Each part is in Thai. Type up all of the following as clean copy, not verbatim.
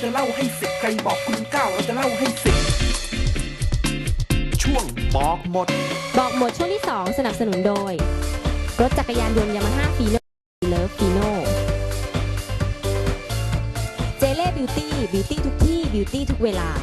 จะเล่าให้สิบใครบอกคุณเก้าเราจะเล่าให้สิบช่วงบอกหมดช่วงที่ 2 สนับสนุนโดยรถจักรยานยนต์ยามาฮ่าฟีโน่เลิฟฟีโน่เจเล่บิวตี้ทุกที่บิวตี้ทุกเวลา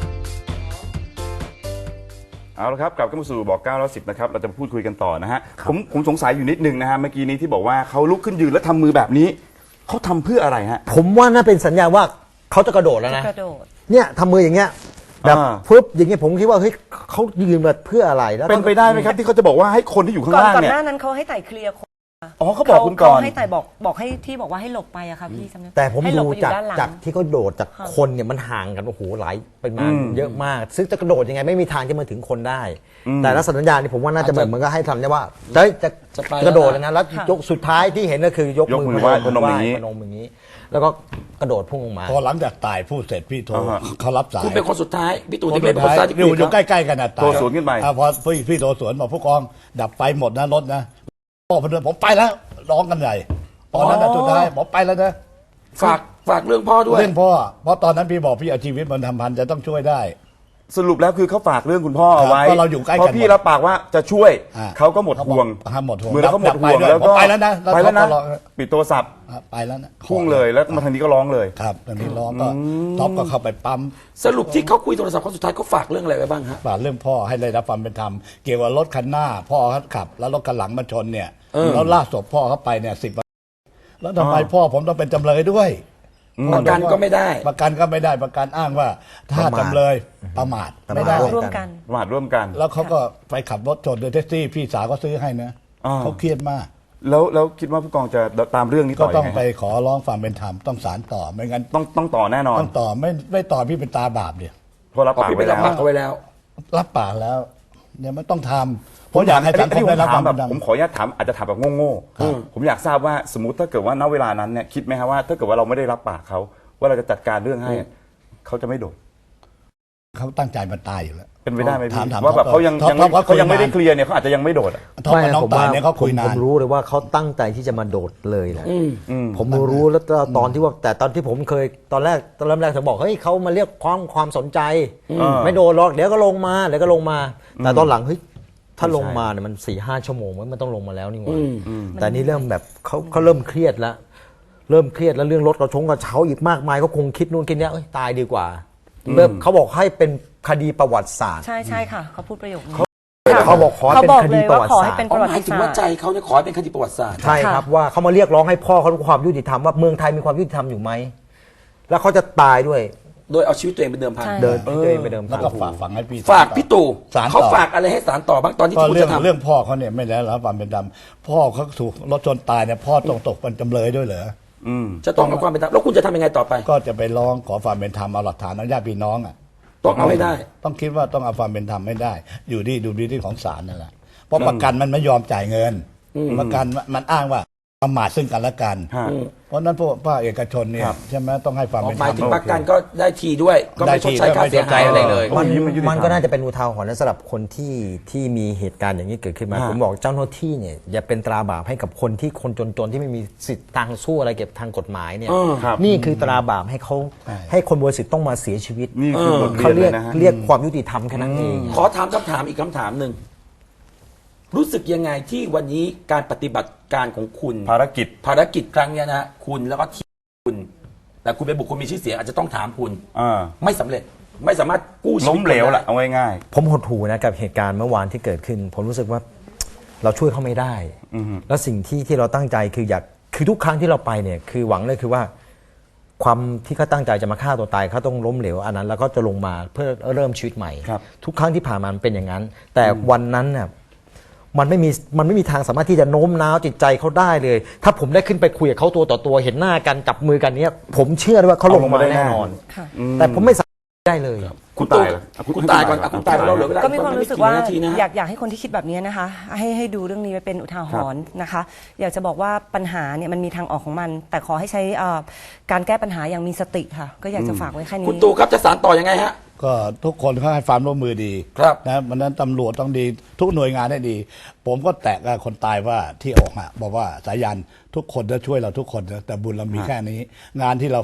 เอาละครับกลับเข้ามาสู่บอก9แล้ว10นะครับเราจะพูดคุยกันต่อนะฮะผมสงสัยอยู่นิดนึงนะฮะเมื่อกี้นี้ที่บอกว่าเขาลุกขึ้นยืนแล้วทำมือแบบนี้เขาทำเพื่ออะไรฮะผมว่าน่าเป็นสัญญาณว่าเขาจะกระโดดแล้วนะกระโดดเนี่ยทำมืออย่างเงี้ยแบบฟึบอย่างเงี้ยผมคิดว่าเฮ้ยเขายืนมาเพื่ออะไรแล้วเป็นไปได้ไหมครับที่เขาจะบอกว่าให้คนที่อยู่ข้างล่างเนี่ยก่อนหน้านั้นเขาให้ไต่เคลียร์คนอ๋อเขาบอกคุณก่อนเขาให้ไต่บอกให้ที่บอกว่าให้หลบไปอะค่ะพี่จำได้แต่ผมดูให้หลบไปอยู่ด้านหลังจากที่เขาโดดจากคนเนี่ยมันห่างกันโอ้โหหลายเป็นมาเยอะมากซึ่งจะกระโดดยังไงไม่มีทางจะมาถึงคนได้แต่ลักษณะสัญญาณนี่ผมว่าน่าจะเหมือนมันก็ให้ทำได้ว่าจะกระโดดแล้วนะแล้วยกสุดท้ายที่เห็นก็คือยกมือไหว้พนมอย่างนี้แล้วก็กระโดดพุ่งลงมาพอหลังจากตายพูดเสร็จพี่โทรเขารับสายคุณเป็นคนสุดท้ายพี่ตู่ที่เป็นคนสุดท้ายอยู่ใกล้ๆกันนะตายโทรสวนขึ้นไปพอพี่โทรสวนบอกผู้กองดับไฟหมดนะรถนะพ่อพนมผมไปแล้วร้องกันใหญ่ตอนนั้นสุดท้ายบอกไปแล้วนะฝากเรื่องพ่อด้วยเรื่องพ่อเพราะตอนนั้นพี่บอกพี่เอาชีวิตมันทำพันจะต้องช่วยได้สรุปแล้วคือเขาฝากเรื่องคุณพ่อเอาไว้เพราะเราอยู่ใกล้กันเพราะพี่รับปากว่าจะช่วยเขาก็หมดห่วงมือแล้วเขาหมดห่วงแล้วก็ไปแล้วนะปิดโทรศัพท์ไปแล้วนะพุ่งเลยแล้วมาทางนี้ก็ร้องเลยครับทางนี้ร้องก็ท็อปก็เข้าไปปั๊มสรุปที่เขาคุยโทรศัพท์ครั้งสุดท้ายเขาฝากเรื่องอะไรไว้บ้างฮะฝากเรื่องพ่อให้ได้รับความเป็นธรรมเกี่ยวกับรถคันหน้าพ่อเขาขับแล้วรถคันหลังมาชนเนี่ยแล้วลากศพพ่อเขาไปเนี่ย10 วันแล้วทำไมพ่อผมต้องเป็นจำเลยด้วยประกันก็ไม่ได้ประกันอ้างว่าถ้าจำเลยประมาทไม่ได้ร่วมกันประมาทร่วมกันแล้วเขาก็ไปขับรถชนโดยแท็กซี่พี่สาวก็ซื้อให้นะเขาเครียดมากแล้วคิดว่าผู้กองจะตามเรื่องนี้ต่อก็ต้องไปขอร้องความเป็นธรรมต้องศาลต่อไม่งั้นต้องต่อแน่นอนต้องต่อไม่ต่อพี่เป็นตาบาปเนี่ยเพราะรับปากไว้แล้วรับปากแล้วเนี่ยมันต้องทำผมอยากให้สังคมได้รับความเป็นธรรมผมขออนุญาตถามอาจจะถามแบบโง่ๆผมอยากทราบว่าสมมติถ้าเกิดว่าณเวลานั้นเนี่ยคิดไหมครับว่าถ้าเกิดว่าเราไม่ได้รับปากเขาว่าเราจะจัดการเรื่องให้เขาจะไม่โดดเขาตั้งใจมันตายอยู่แล้วเป็นไปได้ไหมพี่ว่าแบบเขายังไม่ได้เคลียร์เนี่ยเขาอาจจะยังไม่โดดไม่ผมว่าผมรู้เลยว่าเขาตั้งใจที่จะมาโดดเลยแหละผมรู้แล้วตอนที่ว่าแต่ตอนที่ผมเคยตอนแรกเธอบอกเฮ้ยเขามาเรียกความสนใจไม่โดดหรอกเดี๋ยวก็ลงมาแต่ตอนหลังเฮ้ยถ้าลงมาเนี่ยมัน4-5 ชั่วโมงมันต้องลงมาแล้วนี่หว่าแต่นี่เริ่มแบบเขาเริ่มเครียดแล้วเรื่องรถกระเช้าอีกมากมายก็คงคิดนู่นคิดนี้ตายดีกว่าเขาบอกให้เป็นคดีประวัติศาสตร์ใช่ค่ะเขาพูดประโยคนี้เขาบอกขอเป็นคดีประวัติศาสตร์หมายถึงว่าใจเขาเนี่ยขอให้เป็นคดีประวัติศาสตร์ใช่ครับว่าเขามาเรียกร้องให้พ่อเขาความยุติธรรมว่าเมืองไทยมีความยุติธรรมอยู่ไหมแล้วเขาจะตายด้วยโดยเอาชีวิตตัวเองเป็นเดิมพันตัวเองเป็นเดิมพันแล้วก็ฝากให้พี่ฝากพี่ตู่เขาฝากอะไรให้ศาลต่อบ้างตอนที่คุณจะทำเรื่องพ่อเขาเนี่ยไม่ได้รับความเป็นธรรมพ่อเขาถูกรถชนตายเนี่ยพ่อต้องตกเป็นจำเลยด้วยเหรอจะต้องเอาความเป็นธรรมแล้วคุณจะทำยังไงต่อไปก็จะไปร้องขอความเป็นธรรมเอาหลักฐานเอาญาติพี่น้องต้องเอาให้ได้ต้องคิดว่าต้องเอาความเป็นธรรมให้ได้อยู่ที่ดูดีที่ของศาลนั่นแหละเพราะประกันมันไม่ยอมจ่ายเงินประกันมันอ้างว่าประมาทซึ่งกันและกันเพราะนั้นพวกภาคเอกชนเนี่ยใช่ไหมต้องให้ความเป็นธรรมหมายถึงประกันก็ได้ทีด้วยก็ไม่ชดใช้ค่าเสียหายอะไรเลยมันก็น่าจะเป็นอุทาหรณ์สำหรับคนที่มีเหตุการณ์อย่างนี้เกิดขึ้นมาผมบอกเจ้าหน้าที่เนี่ยอย่าเป็นตราบาปให้กับคนจนที่ไม่มีสิทธิ์ทางสู้อะไรเก็บทางกฎหมายเนี่ยนี่คือตราบาปให้คนบริสุทธิ์ต้องมาเสียชีวิตนี่คือบทเขาเรียนเรียกความยุติธรรมแค่นั้นเองขอถามคำถามอีกคำถามหนึ่งรู้สึกยังไงที่วันนี้การปฏิบัติการของคุณภารกิจครั้งนี้นะคุณแล้วก็ทีมคุณแต่คุณเป็นบุคคลมีชื่อเสียงอาจจะต้องถามคุณไม่สำเร็จไม่สามารถกู้ชีวิตล้มเหลวแหละเอาง่ายๆผมหดหู่นะกับเหตุการณ์เมื่อวานที่เกิดขึ้นผมรู้สึกว่าเราช่วยเขาไม่ได้แล้วสิ่งที่เราตั้งใจคือทุกครั้งที่เราไปเนี่ยคือหวังเลยคือว่าความที่เขาตั้งใจจะมาฆ่าตัวตายเขาต้องล้มเหลวอันนั้นแล้วก็จะลงมาเพื่อเริ่มชีวิตใหม่ทุกครั้งที่ผ่านมาเป็นอย่างนั้นแต่วันนั้นเนี่ยมันไม่มีทางสามารถที่จะโน้มน้าวจิตใจเขาได้เลยถ้าผมได้ขึ้นไปคุยกับเขาตัวต่อตัวเห็นหน้ากันจับมือกันเนี้ยผมเชื่อว่าเขาลงมาแน่นอนแต่ผมไม่สามารถได้เลยคุณตายก่อนคุณตายเราเหลือเวลาก็มีความรู้สึกว่าอยากให้คนที่คิดแบบนี้นะคะให้ดูเรื่องนี้ไว้เป็นอุทาหรณ์นะคะอยากจะบอกว่าปัญหาเนี่ยมันมีทางออกของมันแต่ขอให้ใช้การแก้ปัญหาอย่างมีสติค่ะก็อยากจะฝากไว้แค่นี้คุณตู่ครับจะสานต่อยังไงฮะก็ทุกคนเขาให้ความร่วมมือดีนะมันนั้นตำรวจต้องดีทุกหน่วยงานให้ดี ผมก็แตะกับคนตายว่าที่ออกบอกว่าสายันทุกคนจะช่วยเราทุกคนแต่บุญเรามีแค่นี้งานที่เราฝาก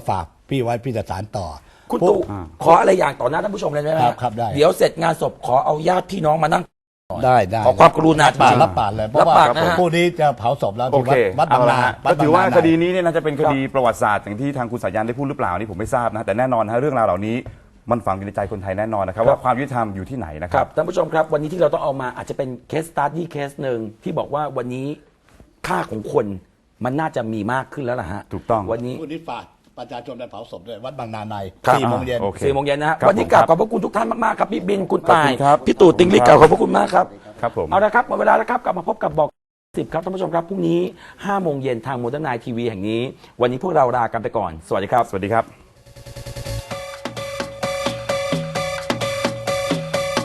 พี่ไว้พี่จะสารต่อคุณตู่ขออะไรอย่างต่อหน้าท่านผู้ชมเลยได้ไหมครับได้เดี๋ยวเสร็จงานศพขอเอาญาติพี่น้องมานั่งได้ขอความกรุณารับปากจริงๆรับปากเลยเพรับราะว่าปากนะฮะผู้นี้จะเผาศพแล้วโอที่เควัดบางนาก็ถือว่าในคดีนี้เนี่ยน่าจะเป็นคดีประวัติศาสตร์อย่างที่ทางคุณสายันได้พูดหรือเปล่านี่ผมไม่ทราบนะแต่แน่นอนนะเรื่องราวเหล่านี้มันฝังอยู่ในใจคนไทยแน่นอนนะครับว่าความยุติธรรมอยู่ที่ไหนนะคครัรับ บท่านผู้ชมครับวันนี้ที่เราต้องเอามาอาจจะเป็นเคสสตาร์ดี้เคสหนึ่งที่บอกว่าวันนี้ค่าของคนมันน่าจะมีมากขึ้นแล้วล่ะฮะถูกต้องวันนี้ผู้นี้ฝากประชาชนไปเผาศพด้วยวัดบางนาในครับ 4 โมงเย็นโอเค 4 โมงเย็นนะฮะครับวันนี้กราบผมขอบพระคุณทุกท่านมากๆครับพี่บินคุณขอบตาคุยณครับพี่ตู่ติงลิกกราบขอบพระคุณมากครับครับผมเอาละครับหมดเวลาแล้วครับกลับมาพบกับบอก10ครับท่านผู้ชมครับพรุ่งนี้5 โมงเย็นทางโมเดิร์นไนทีวีแห่งนี้วันนี้พวกเราลากันไปก่อนสวัสดีครับสวัสดีครับ